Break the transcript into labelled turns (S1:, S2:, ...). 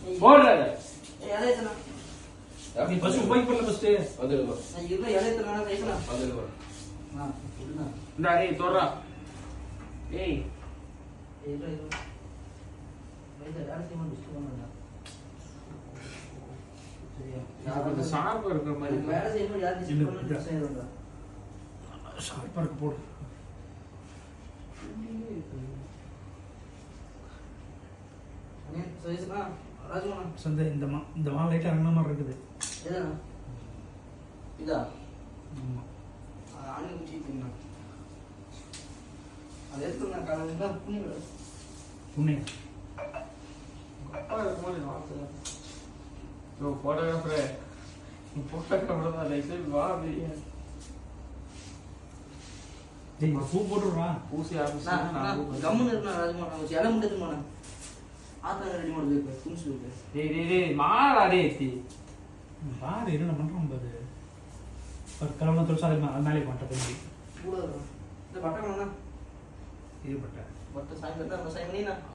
S1: போடுறாரு
S2: எலையத்தனா
S1: நீ ஃபர்ஸ்ட் போய் பண்ணல ஃபர்ஸ்ட்
S2: வந்துடுவா இவ்வளவு எலையத்தனா கைக்கலாம்
S1: வந்துடுவா
S2: இல்ல
S1: இந்த ஏய் தோறா ஏய்
S2: இது வைத யாரத்தையும் டிஸ்டர்ப் பண்ணாத சரியா
S1: நான் ஷார்ப்பா இருக்கிற மாதிரி
S2: வேற செய்யணும் யார் டிஸ்டர்ப் பண்ணா செய்யறதா
S3: ஷார்ப்பா இருக்கு போடு
S2: அண்ணே சைஸ்னா ராஜ்மோனா
S3: சந்தை இந்த மா லைட்டா அண்ணா மாதிரி இருக்குது
S2: எதனா இதா
S3: ஆமா
S2: ஆணி குச்சி தின்னா அது எடுத்து நான் காலையில புண்ணி விட
S3: புண்ணே
S1: அப்பா இருக்கும்போது நான் ப்ரோ ஃபோட்டோகிராஃபர் தான் லைக் வா அப்படியே
S3: டேய் பூ போட்டுறா
S1: பூசி ஆபீஸ்
S2: நான் கம்முன்னு இருக்கேன் ராஜ்மோனா வச்சு எலை முட்டது போனா ஆத்தா ரெடி பண்ணுது துணிச்சு இருக்கு
S1: டேய் மாடா டேய்
S3: பாரு என்ன பண்றோம் பாரு ஒரு கலவன தொலைச்சா அது மேலே பண்ணிட்டேன்
S2: கூட இந்த பட்டை வேணா
S3: இது பட்ட
S2: பட்டை சாயந்தரம் அந்த சாயமணினா